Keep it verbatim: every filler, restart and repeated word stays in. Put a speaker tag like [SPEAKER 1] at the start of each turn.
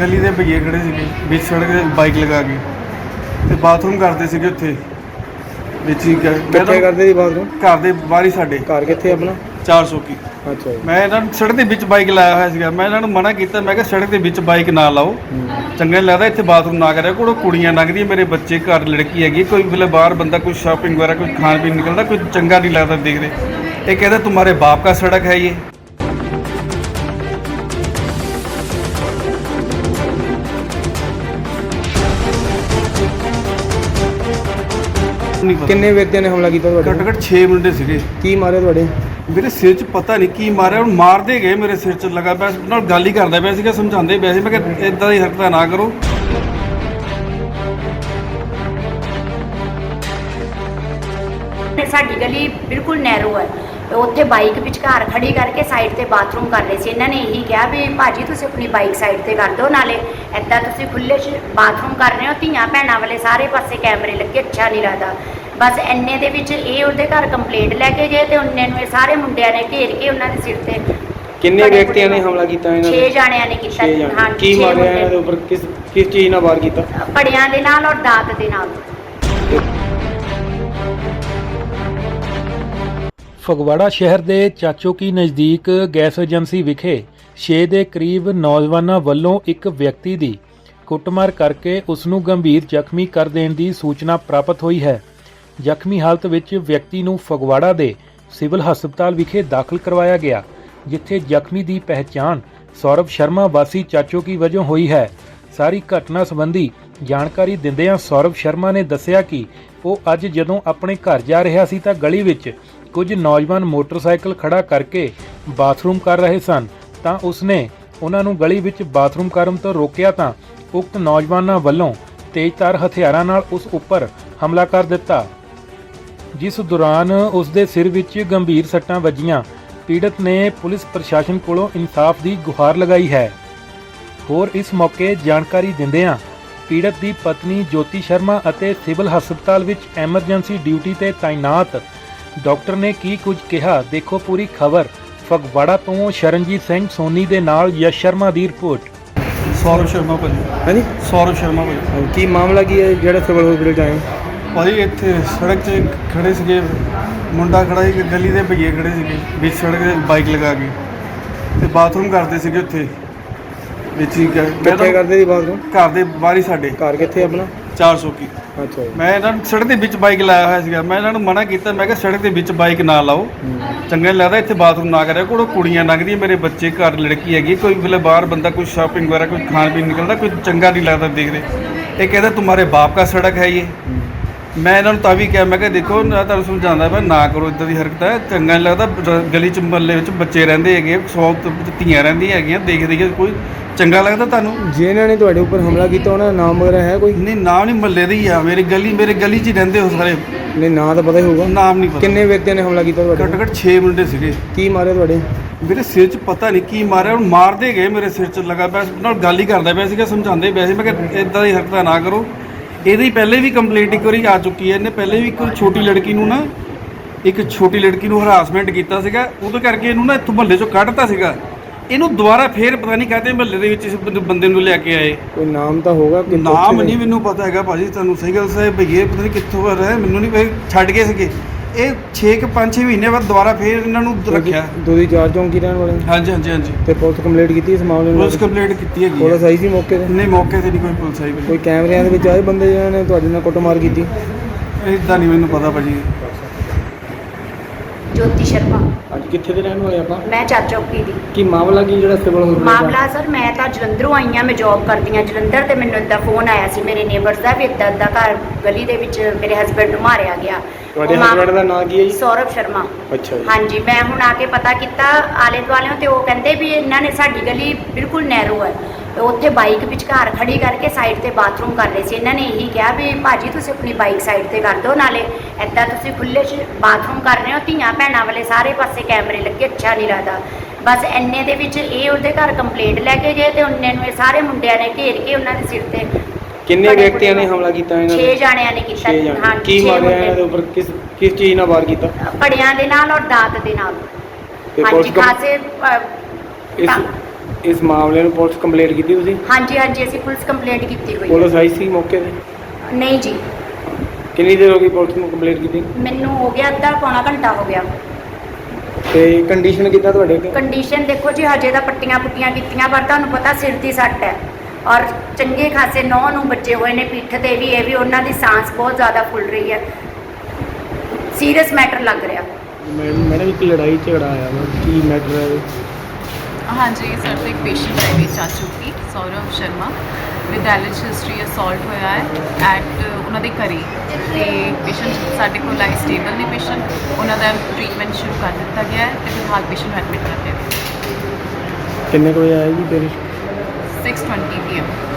[SPEAKER 1] गली के भईए खड़े थे बीच सड़क ते बाइक लगा के ते बाथरूम करते थे उत्थे ਵਿੱਚ ਹੀ ਕ- ਮੈਂ
[SPEAKER 2] ਕਿੱਥੇ
[SPEAKER 1] ਤਾਂ
[SPEAKER 2] ਕਰਦੇ ਸੀ ਬਾਥਰੂਮ?
[SPEAKER 1] ਘਰ ਦੇ ਬਾਹਰ ਹੀ ਸਾਡੇ
[SPEAKER 2] ਘਰ ਕਿੱਥੇ ਆਪਣਾ?
[SPEAKER 1] ਚਾਰ ਸੌ ਕੀ
[SPEAKER 2] ਅੱਛਾ ਜੀ।
[SPEAKER 1] ਮੈਂ ਇਹਨਾਂ ਨੂੰ ਸੜਕ ਦੇ ਵਿੱਚ ਬਾਈਕ ਲਾਇਆ ਹੋਇਆ ਸੀਗਾ। ਮੈਂ ਇਹਨਾਂ ਨੂੰ ਮਨਾ ਕੀਤਾ, ਮੈਂ ਕਿਹਾ ਸੜਕ ਦੇ ਵਿੱਚ ਬਾਈਕ ਨਾ ਲਾਓ, ਚੰਗਾ ਨਹੀਂ ਲੱਗਦਾ, ਇੱਥੇ ਬਾਥਰੂਮ ਨਾ ਕਰਿਆ ਕੋਲ ਕੁੜੀਆਂ ਲੰਘਦੀਆਂ, ਮੇਰੇ ਬੱਚੇ ਘਰ ਲੜਕੀ ਹੈਗੀ, ਕੋਈ ਵੇਲੇ ਬਾਹਰ ਬੰਦਾ ਕੋਈ ਸ਼ਾਪਿੰਗ ਵਗੈरह ਕੋਈ ਖਾਣ ਪੀਣ ਨਿਕਲਦਾ, ਕੋਈ ਚੰਗਾ ਨਹੀਂ ਲੱਗਦਾ ਦੇਖਦੇ। ਇਹ ਕਹਿੰਦਾ तुम्हारे बाप का सड़क है ये।
[SPEAKER 2] ਕਿੰਨੇ ਵਿਅਕਤੀਆਂ ਨੇ ਹਮਲਾ ਕੀਤਾ ਤੁਹਾਡੇ
[SPEAKER 1] ਘੱਟੋ
[SPEAKER 2] ਤੇ?
[SPEAKER 1] ਘੱਟ ਛੇ ਮੁੰਡੇ ਸੀਗੇ।
[SPEAKER 2] ਕੀ ਮਾਰੇ ਤੁਹਾਡੇ?
[SPEAKER 1] ਮੇਰੇ ਸਿਰ 'ਚ ਪਤਾ ਨਹੀਂ ਕੀ ਮਾਰਿਆ, ਹੁਣ ਮਾਰਦੇ ਗਏ ਮੇਰੇ ਸਿਰ 'ਚ ਲੱਗਾ ਪਿਆ, ਨਾਲ ਗੱਲ ਹੀ ਕਰਦਾ ਪਿਆ ਸੀਗਾ, ਸਮਝਾਉਂਦੇ ਪਿਆ ਸੀ। ਮੈਂ ਕਿਹਾ ਇਦਾਂ ਦੀ ਹਰਕਤਾਂ ਨਾ ਕਰੋ।
[SPEAKER 3] ਸਾਡੀ ਗਲੀ ਬਿਲਕੁਲ ਨੈਰੋ ਹੈ, ਉੱਥੇ ਬਾਈਕ ਵਿਚਕਾਰ ਖੜੀ ਕਰਕੇ ਸਾਈਡ ਤੇ ਬਾਥਰੂਮ ਕਰ ਰਹੇ ਸੀ। ਇਹਨਾਂ ਨੇ ਇਹੀ ਕਿਹਾ ਵੀ ਭਾਜੀ ਤੁਸੀਂ ਆਪਣੀ ਬਾਈਕ ਸਾਈਡ ਤੇ ਕਰ ਦਿਓ, ਨਾਲੇ ਐਦਾਂ ਤੁਸੀਂ ਖੁੱਲੇ 'ਚ ਬਾਥਰੂਮ ਕਰ ਰਹੇ ਹੋ, ਧੀਆਂ ਭੈਣਾਂ ਵਾਲੇ ਸਾਰੇ ਪਾਸੇ ਕੈਮਰੇ ਲੱਗੇ, ਅੱਛਾ ਨਹੀਂ ਲੱਗਦਾ। ਬਸ ਇੰਨੇ ਦੇ ਵਿੱਚ ਇਹ ਉਹਦੇ ਘਰ ਕੰਪਲੇਂਟ ਲੈ ਕੇ ਗਏ ਤੇ ਉਹਨੇ ਨੂੰ ਇਹ ਸਾਰੇ ਮੁੰਡਿਆਂ ਨੇ ਘੇਰ ਕੇ ਉਹਨਾਂ ਦੇ ਸਿਰ ਤੇ
[SPEAKER 2] ਕਿੰਨੇ ਵਿਅਕਤੀਆਂ ਨੇ ਹਮਲਾ ਕੀਤਾ ਇਹਨਾਂ
[SPEAKER 3] ਛੇ ਜਾਣਿਆਂ ਨੇ ਕੀਤਾ।
[SPEAKER 2] ਛੇ ਜਾਣੇ।
[SPEAKER 3] ਹਾਂਜੀ,
[SPEAKER 2] ਕੀ
[SPEAKER 3] ਛੇ
[SPEAKER 2] ਮਾਰਿਆ
[SPEAKER 3] ਮੁੰਡੇ।
[SPEAKER 2] ਇਹਨਾਂ ਦੇ ਉੱਪਰ? ਕਿਸ ਕਿਸ ਚੀਜ਼ ਨਾਲ ਵਾਰ ਕੀਤਾ?
[SPEAKER 3] ਪੜਿਆਂ ਦੇ ਨਾਲ ਔਰ ਦਾਤ ਦੇ ਨਾਲ।
[SPEAKER 4] ਫਗਵਾੜਾ ਸ਼ਹਿਰ ਦੇ ਚਾਚੋਕੀ ਨਜ਼ਦੀਕ ਗੈਸ ਏਜੰਸੀ ਵਿਖੇ ਛੇ ਦੇ ਕਰੀਬ ਨੌਜਵਾਨਾਂ ਵੱਲੋਂ ਇੱਕ ਵਿਅਕਤੀ ਦੀ ਕੁੱਟਮਾਰ ਕਰਕੇ ਉਸ ਨੂੰ ਗੰਭੀਰ ਜ਼ਖਮੀ ਕਰ ਦੇਣ ਦੀ ਸੂਚਨਾ ਪ੍ਰਾਪਤ ਹੋਈ ਹੈ। ਜ਼ਖਮੀ ਹਾਲਤ ਵਿੱਚ ਵਿਅਕਤੀ ਨੂੰ ਫਗਵਾੜਾ ਦੇ ਸਿਵਲ ਹਸਪਤਾਲ ਵਿਖੇ ਦਾਖਲ ਕਰਵਾਇਆ ਗਿਆ, ਜਿੱਥੇ ਜ਼ਖਮੀ ਦੀ ਪਹਿਚਾਣ ਸੌਰਵ ਸ਼ਰਮਾ ਵਾਸੀ ਚਾਚੋਕੀ ਵਜੋਂ ਹੋਈ ਹੈ। ਸਾਰੀ ਘਟਨਾ ਸੰਬੰਧੀ ਜਾਣਕਾਰੀ ਦਿੰਦਿਆਂ ਸੌਰਵ ਸ਼ਰਮਾ ਨੇ ਦੱਸਿਆ ਕਿ ਉਹ ਅੱਜ ਜਦੋਂ ਆਪਣੇ ਘਰ ਜਾ ਰਿਹਾ ਸੀ ਤਾਂ ਗਲੀ ਵਿੱਚ ਕੁਝ ਨੌਜਵਾਨ ਮੋਟਰਸਾਈਕਲ ਖੜਾ ਕਰਕੇ ਬਾਥਰੂਮ ਕਰ ਰਹੇ ਸਨ, ਤਾਂ ਉਸਨੇ ਉਹਨਾਂ ਨੂੰ ਗਲੀ ਵਿੱਚ ਬਾਥਰੂਮ ਕਰਨ ਤੋਂ ਰੋਕਿਆ ਤਾਂ ਉਕਤ ਨੌਜਵਾਨਾਂ ਵੱਲੋਂ ਤੇਜ਼ਧਾਰ ਹਥਿਆਰਾਂ ਨਾਲ ਉਸ ਉੱਪਰ ਹਮਲਾ ਕਰ ਦਿੱਤਾ, ਜਿਸ ਦੌਰਾਨ ਉਸ ਦੇ ਸਿਰ ਵਿੱਚ ਗੰਭੀਰ ਸੱਟਾਂ ਵੱਜੀਆਂ। ਪੀੜਤ ਨੇ ਪੁਲਿਸ ਪ੍ਰਸ਼ਾਸਨ ਕੋਲੋਂ ਇਨਸਾਫ ਦੀ ਗੁਹਾਰ ਲਗਾਈ ਹੈ। ਹੋਰ ਇਸ ਮੌਕੇ ਜਾਣਕਾਰੀ ਦਿੰਦਿਆਂ ਪੀੜਤ ਦੀ ਪਤਨੀ ਜੋਤੀ ਸ਼ਰਮਾ ਅਤੇ ਸਿਵਲ ਹਸਪਤਾਲ ਵਿੱਚ ਐਮਰਜੈਂਸੀ ਡਿਊਟੀ ਤੇ ਤਾਇਨਾਤ ਡਾਕਟਰ ਨੇ ਕੀ ਕੁਝ ਕਿਹਾ, ਦੇਖੋ ਪੂਰੀ ਖਬਰ। ਫਗਵਾੜਾ ਤੋਂ ਸ਼ਰਨਜੀਤ ਸਿੰਘ ਸੋਨੀ ਦੇ ਨਾਲ ਯਸ਼ ਸ਼ਰਮਾ ਦੀ ਰਿਪੋਰਟ।
[SPEAKER 1] ਸੌਰਵ ਸ਼ਰਮਾ ਭਾਜੀ।
[SPEAKER 2] ਹਾਂਜੀ,
[SPEAKER 1] ਸੌਰਵ ਸ਼ਰਮਾ ਭਾਜੀ।
[SPEAKER 2] ਕੀ ਮਾਮਲਾ ਕੀ ਹੈ ਜਿਹੜਾ ਸਿਵਲ ਹਸਪੀਟਲ 'ਚ ਆਏ?
[SPEAKER 1] ਭਾਜੀ ਇੱਥੇ ਸੜਕ 'ਚ ਖੜੇ ਸੀਗੇ, ਮੁੰਡਾ ਖੜਾ ਸੀ, ਗਲੀ ਦੇ ਭਈਏ ਖੜੇ ਸੀਗੇ ਵਿੱਚ ਸੜਕ ਤੇ ਬਾਈਕ ਲਗਾ ਕੇ ਤੇ ਬਾਥਰੂਮ ਕਰਦੇ ਸੀਗੇ ਉੱਥੇ ਵਿੱਚ ਹੀ ਕ- ਮੈਂ
[SPEAKER 2] ਕਿੱਥੇ
[SPEAKER 1] ਤਾਂ
[SPEAKER 2] ਕਰਦੇ ਸੀ ਬਾਥਰੂਮ?
[SPEAKER 1] ਘਰ ਦੇ ਬਾਹਰ ਹੀ ਸਾਡੇ
[SPEAKER 2] ਘਰ ਕਿੱਥੇ ਆਪਣਾ?
[SPEAKER 1] ਚਾਰ ਸੌ ਕੀ
[SPEAKER 2] ਅੱਛਾ ਜੀ।
[SPEAKER 1] ਮੈਂ ਇਹਨਾਂ ਨੂੰ ਸੜਕ ਦੇ ਵਿੱਚ ਬਾਈਕ ਲਾਇਆ ਹੋਇਆ ਸੀਗਾ। ਮੈਂ ਇਹਨਾਂ ਨੂੰ ਮਨਾ ਕੀਤਾ, ਮੈਂ ਕਿਹਾ ਸੜਕ ਦੇ ਵਿੱਚ ਬਾਈਕ ਨਾ ਲਾਓ, ਚੰਗਾ ਨਹੀਂ ਲੱਗਦਾ, ਇੱਥੇ ਬਾਥਰੂਮ ਨਾ ਕਰਿਆ ਕੋਲ ਕੁੜੀਆਂ ਲੰਘਦੀਆਂ, ਮੇਰੇ ਬੱਚੇ ਘਰ ਲੜਕੀ ਹੈਗੀ, ਕੋਈ ਵੇਲੇ ਬਾਹਰ ਬੰਦਾ ਕੋਈ ਸ਼ਾਪਿੰਗ ਵਗੈरह ਕੋਈ ਖਾਣ ਪੀਣ ਨਿਕਲਦਾ, ਕੋਈ ਚੰਗਾ ਨਹੀਂ ਲੱਗਦਾ ਦੇਖਦੇ। ਇਹ ਕਹਿੰਦਾ तुम्हारे बाप का सड़क है ये। ਮੈਂ ਇਹਨਾਂ ਨੂੰ ਤਾਂ ਵੀ ਕਿਹਾ, ਮੈਂ ਕਿਹਾ ਦੇਖੋ ਨਾ ਤੁਹਾਨੂੰ ਸਮਝਾਉਂਦਾ ਮੈਂ, ਨਾ ਕਰੋ ਇੱਦਾਂ ਦੀ ਹਰਕਤ ਹੈ, ਚੰਗਾ ਨਹੀਂ ਲੱਗਦਾ। ਰ- ਗਲੀ 'ਚ ਮਹੱਲੇ ਵਿੱਚ ਬੱਚੇ ਰਹਿੰਦੇ ਹੈਗੇ, ਸੌ ਧੀਆਂ ਰਹਿੰਦੀਆਂ ਹੈਗੀਆਂ, ਦੇਖ ਦੇਖੇ ਕੋਈ ਚੰਗਾ ਲੱਗਦਾ ਤੁਹਾਨੂੰ?
[SPEAKER 2] ਜਿਨ੍ਹਾਂ ਨੇ ਤੁਹਾਡੇ ਉੱਪਰ ਹਮਲਾ ਕੀਤਾ ਉਹਨਾਂ ਦਾ ਨਾਮ ਵਗੈਰਾ ਹੈ ਕੋਈ?
[SPEAKER 1] ਨਹੀਂ, ਨਾਮ ਨਹੀਂ, ਮਹੱਲੇ ਦੇ ਹੀ ਆ, ਮੇਰੀ ਗਲੀ ਮੇਰੇ ਗਲੀ 'ਚ ਹੀ ਰਹਿੰਦੇ ਹੋ ਸਾਰੇ।
[SPEAKER 2] ਨਹੀਂ, ਨਾਂ ਤਾਂ ਪਤਾ ਹੀ ਹੋਊਗਾ।
[SPEAKER 1] ਨਾਮ ਨਹੀਂ ਪਤਾ।
[SPEAKER 2] ਕਿੰਨੇ ਵਿਅਕਤੀਆਂ ਨੇ ਹਮਲਾ ਕੀਤਾ ਤੁਹਾਡੇ
[SPEAKER 1] ਘੱਟੋ
[SPEAKER 2] ਤੇ?
[SPEAKER 1] ਘੱਟ ਛੇ ਮੁੰਡੇ ਸੀਗੇ।
[SPEAKER 2] ਕੀ ਮਾਰੇ ਤੁਹਾਡੇ?
[SPEAKER 1] ਮੇਰੇ ਸਿਰ 'ਚ ਪਤਾ ਨਹੀਂ ਕੀ ਮਾਰਿਆ, ਹੁਣ ਮਾਰਦੇ ਗਏ ਮੇਰੇ ਸਿਰ 'ਚ ਲੱਗਾ ਪਿਆ, ਨਾਲ ਗੱਲ ਹੀ ਕਰਦਾ ਪਿਆ ਸੀਗਾ, ਸਮਝਾਉਂਦੇ ਪਿਆ ਸੀ। ਮੈਂ ਕਿਹਾ ਇਦਾਂ ਦੀ ਹਰਕਤਾਂ ਨਾ ਕਰੋ। ਇਹਦੀ ਪਹਿਲੇ ਵੀ ਕੰਪਲੇਂਟ ਇੱਕ ਵਾਰੀ ਆ ਚੁੱਕੀ ਹੈ, ਇਹਨੇ ਪਹਿਲੇ ਵੀ ਇੱਕ ਛੋਟੀ ਲੜਕੀ ਨੂੰ ਨਾ ਇੱਕ ਛੋਟੀ ਲੜਕੀ ਨੂੰ ਹਰਾਸਮੈਂਟ ਕੀਤਾ ਸੀਗਾ, ਉਹਦੇ ਕਰਕੇ ਇਹਨੂੰ ਨਾ ਇੱਥੋਂ ਮਹੱਲੇ 'ਚੋਂ ਕੱਢਤਾ ਸੀਗਾ। ਇਹਨੂੰ ਦੁਬਾਰਾ ਫੇਰ ਪਤਾ ਨਹੀਂ ਕਾਹਦੇ ਮਹੱਲੇ ਦੇ ਵਿੱਚ ਇਸ ਬੰਦੇ- ਬੰਦੇ ਨੂੰ ਲਿਆ ਕੇ ਆਏ।
[SPEAKER 2] ਕੋਈ ਨਾਮ ਤਾਂ ਹੋਗਾ ਕਿ
[SPEAKER 1] ਨਾਮ ਨਹੀਂ ਮੈਨੂੰ ਪਤਾ ਹੈਗਾ ਭਾਜੀ, ਤੁਹਾਨੂੰ ਸਹੀ ਗੱਲ ਸਹੀ ਭਈਏ ਪਤਾ ਨਹੀਂ ਕਿੱਥੋਂ ਆ ਰਹੇ, ਮੈਨੂੰ ਨਹੀਂ ਪਤਾ, ਛੱਡ ਗਏ ਸੀਗੇ ਇਹ ਛੇ ਕਿ ਪੰਜ ਛੇ ਮਹੀਨੇ ਬਾਅਦ ਦੁਬਾਰਾ ਫੇਰ ਇਹਨਾਂ ਨੂੰ ਰੱਖਿਆ।
[SPEAKER 2] ਦੋਦੀ ਚਾਰ ਚੌਂਕੀ ਰਹਿਣ ਵਾਲੇ?
[SPEAKER 1] ਹਾਂਜੀ ਹਾਂਜੀ ਹਾਂਜੀ।
[SPEAKER 2] ਤੇ ਪੁਲਿਸ ਕੰਪਲੀਟ ਕੀਤੀ ਇਸ ਮਾਮਲੇ ਨੂੰ?
[SPEAKER 1] ਪੁਲਿਸ ਕੰਪਲੇਂਟ ਕੀਤੀ ਹੈਗੀ
[SPEAKER 2] ਪੁਲਿਸ
[SPEAKER 1] ਹੈ।
[SPEAKER 2] ਆਈ ਸੀ ਮੌਕੇ ਤੇ?
[SPEAKER 1] ਨਹੀਂ, ਮੌਕੇ ਤੇ ਨਹੀਂ ਕੋਈ ਪੁਲਿਸ ਆਈ ਭਾਜੀ।
[SPEAKER 2] ਕੋਈ ਕੈਮਰਿਆਂ ਦੇ ਵਿੱਚ ਆਏ ਬੰਦੇ ਜਿਹਨਾਂ ਨੇ ਤੁਹਾਡੇ ਨਾਲ ਕੁੱਟਮਾਰ ਕੀਤੀ?
[SPEAKER 1] ਇਦਾਂ ਨਹੀਂ ਮੈਨੂੰ ਪਤਾ ਭਾਜੀ।
[SPEAKER 3] ਜੋਤੀ ਸ਼ਰਮਾ।
[SPEAKER 2] ਅੱਜ ਕਿੱਥੇ ਦੇ ਰਹਿਣ ਵਾਲੇ ਆਪਾਂ?
[SPEAKER 3] ਮੈਂ ਚਾਚੋਕੀ ਦੀ।
[SPEAKER 2] ਕੀ ਮਾਮਲਾ ਕੀ ਜਿਹੜਾ ਸਿਵਲ ਹਸਪੀਟਲ?
[SPEAKER 3] ਮਾਮਲਾ ਸਰ, ਮੈਂ ਤਾਂ ਜਲੰਧਰੋਂ ਆਈ ਹਾਂ, ਮੈਂ ਜੌਬ ਕਰਦੀ ਹਾਂ ਜਲੰਧਰ, ਤੇ ਮੈਨੂੰ ਇੱਦਾਂ ਫੋਨ ਆਇਆ ਸੀ ਮੇਰੇ ਨੇਬਰਸ ਦਾ ਵੀ ਇੱਦਾਂ ਇੱਦਾਂ ਘਰ ਗਲੀ ਦੇ ਵਿੱਚ ਮੇਰੇ ਹਸਬੈਂਡ ਨੂੰ ਮਾਰਿਆ ਗਿਆ।
[SPEAKER 2] ਤੁਹਾਡੇ
[SPEAKER 3] ਉਹ ਮਾ-
[SPEAKER 2] ਹਸਬੈਂਡ ਦਾ ਨਾਂ ਕੀ ਹੈ ਜੀ?
[SPEAKER 3] ਸੌਰਵ ਸ਼ਰਮਾ।
[SPEAKER 2] ਅੱਛਾ ਜੀ।
[SPEAKER 3] ਹਾਂਜੀ, ਮੈਂ ਹੁਣ ਆ ਕੇ ਪਤਾ ਕੀਤਾ ਆਲੇ ਦੁਆਲਿਓਂ, ਤੇ ਉਹ ਕਹਿੰਦੇ ਵੀ ਇਹਨਾਂ ਨੇ ਸਾਡੀ ਗਲੀ ਬਿਲਕੁਲ ਨੈਰੋ ਹੈ, ਤੇ ਉੱਥੇ ਬਾਈਕ ਵਿਚਕਾਰ ਖੜੀ ਕਰਕੇ ਸਾਈਡ ਤੇ ਬਾਥਰੂਮ ਕਰ ਰਹੇ ਸੀ। ਇਹਨਾਂ ਨੇ ਇਹੀ ਕਿਹਾ ਵੀ ਭਾਜੀ ਤੁਸੀਂ ਆਪਣੀ ਬਾਈਕ ਸਾਈਡ ਤੇ ਕਰ ਦਿਓ, ਨਾਲੇ ਐਦਾਂ ਤੁਸੀਂ ਖੁੱਲੇ 'ਚ ਬਾਥਰੂਮ ਕਰ ਰਹੇ ਹੋ, ਧੀਆਂ ਭੈਣਾਂ ਵਾਲੇ ਸਾਰੇ ਪਾਸੇ ਕੈਮਰੇ ਲੱਗੇ, ਅੱਛਾ ਨਹੀਂ ਲੱਗਦਾ। ਬਸ ਇੰਨੇ ਦੇ ਵਿੱਚ ਇਹ ਉਹਦੇ ਘਰ ਕੰਪਲੇਂਟ ਲੈ ਕੇ ਗਏ ਤੇ ਉਹਨੇ ਨੂੰ ਇਹ ਸਾਰੇ ਮੁੰਡਿਆਂ ਨੇ ਘੇਰ ਕੇ ਉਹਨਾਂ ਦੇ ਸਿਰ ਤੇ
[SPEAKER 2] ਕਿੰਨੇ ਵਿਅਕਤੀਆਂ ਨੇ ਹਮਲਾ ਕੀਤਾ ਇਹਨਾਂ
[SPEAKER 3] ਛੇ ਜਾਣਿਆਂ ਨੇ ਕੀਤਾ।
[SPEAKER 2] ਛੇ ਜਾਣੇ।
[SPEAKER 3] ਹਾਂਜੀ,
[SPEAKER 2] ਕੀ
[SPEAKER 3] ਛੇ
[SPEAKER 2] ਮਾਰਿਆ
[SPEAKER 3] ਮੁੰਡੇ।
[SPEAKER 2] ਇਹਨਾਂ ਦੇ ਉੱਪਰ? ਕਿਸ ਕਿਸ ਚੀਜ਼ ਨਾਲ ਵਾਰ ਕੀਤਾ?
[SPEAKER 3] ਪੜਿਆਂ ਦੇ ਨਾਲ ਔਰ ਦਾਤ ਦੇ ਨਾਲ।
[SPEAKER 2] ਤੇ
[SPEAKER 3] ਹਾਂਜੀ,
[SPEAKER 2] ਪੁਲਿਸ ਕੰਪ-
[SPEAKER 3] ਖਾਸੇ ਅ,
[SPEAKER 2] ਇਸ
[SPEAKER 3] ਤਾਂ-
[SPEAKER 2] ਇਸ ਮਾਮਲੇ ਨੂੰ ਪੁਲਿਸ ਕੰਪਲੇਂਟ ਕੀਤੀ ਤੁਸੀਂ?
[SPEAKER 3] ਹਾਂਜੀ ਹਾਂਜੀ ਅਸੀਂ ਪੁਲਿਸ ਕੰਪਲੇਂਟ ਕੀਤੀ ਹੋਈ
[SPEAKER 2] ਪੁਲਿਸ ਆਈ ਸੀ ਮੌਕੇ ਤੇ?
[SPEAKER 3] ਹੈ। ਨਹੀਂ ਜੀ,
[SPEAKER 2] ਕਿੰਨੀ ਦੇਰ ਹੋ ਗਈ ਪੁਲਿਸ ਨੂੰ ਕੰਪਲੇਂਟ ਕੀਤੀ?
[SPEAKER 3] ਮੈਨੂੰ ਹੋ ਗਿਆ ਅੱਧਾ ਪੌਣਾ ਘੰਟਾ ਹੋ ਗਿਆ।
[SPEAKER 2] ਤੇ ਕੰਡੀਸ਼ਨ ਕਿੱਦਾਂ ਤੁਹਾਡੇ ਕੋਲ?
[SPEAKER 3] ਕੰਡੀਸ਼ਨ ਦੇਖੋ ਜੀ, ਹਜੇ ਤਾਂ ਪੱਟੀਆਂ ਪੁੱਟੀਆਂ ਕੀਤੀਆਂ, ਪਰ ਤੁਹਾਨੂੰ ਪਤਾ ਸਿਰ ਦੀ ਸੱਟ ਹੈ ਔਰ ਚੰਗੇ ਖਾਸੇ ਨੌ ਨੂੰ ਬੱਚੇ ਹੋਏ ਨੇ ਪਿੱਠ ਤੇ ਵੀ, ਇਹ ਵੀ ਉਹਨਾਂ ਦੀ ਸਾਂਸ ਬਹੁਤ ਜ਼ਿਆਦਾ ਫੁੱਲ ਰਹੀ ਹੈ। ਸੀਰੀਅਸ ਮੈਟਰ ਲੱਗ ਰਿਹਾ।
[SPEAKER 2] ਮੈਡਮ ਮੈਡਮ ਇੱਕ ਲੜਾਈ ਝਗੜਾ ਆਇਆ ਵਾ, ਕੀ ਮੈਟਰ ਹੈ ਇਹ?
[SPEAKER 5] ਹਾਂਜੀ, ਸਾਡੇ ਕੋਲ ਇੱਕ ਪੇਸ਼ੈਂਟ ਹੈ ਵੀ ਚਾਚੂ ਕੀ Saurav Sharma with allergy history assault ਹੋਇਆ ਹੈ ਐਟ ਉਹਨਾਂ ਦੇ ਘਰੇ, ਤੇ ਪੇਸ਼ੈਂਟ ਸਾਡੇ ਕੋਲ ਆਈ ਸਟੇਬਲ ਨੇ। ਪੇਸ਼ੈਂਟ ਉਹਨਾਂ ਦਾ ਟ੍ਰੀਟਮੈਂਟ ਸ਼ੁਰੂ ਕਰ ਦਿੱਤਾ ਗਿਆ ਹੈ ਤੇ ਫਿਲਹਾਲ ਪੇਸ਼ੈਂਟ ਨੂੰ ਐਡਮਿਟ ਕਰ ਲਿਆ।
[SPEAKER 2] ਕਿੰਨੇ ਕੁ ਵਜੇ ਆਇਆ ਜੀ ਪੇਸ਼?
[SPEAKER 5] Six twenty P M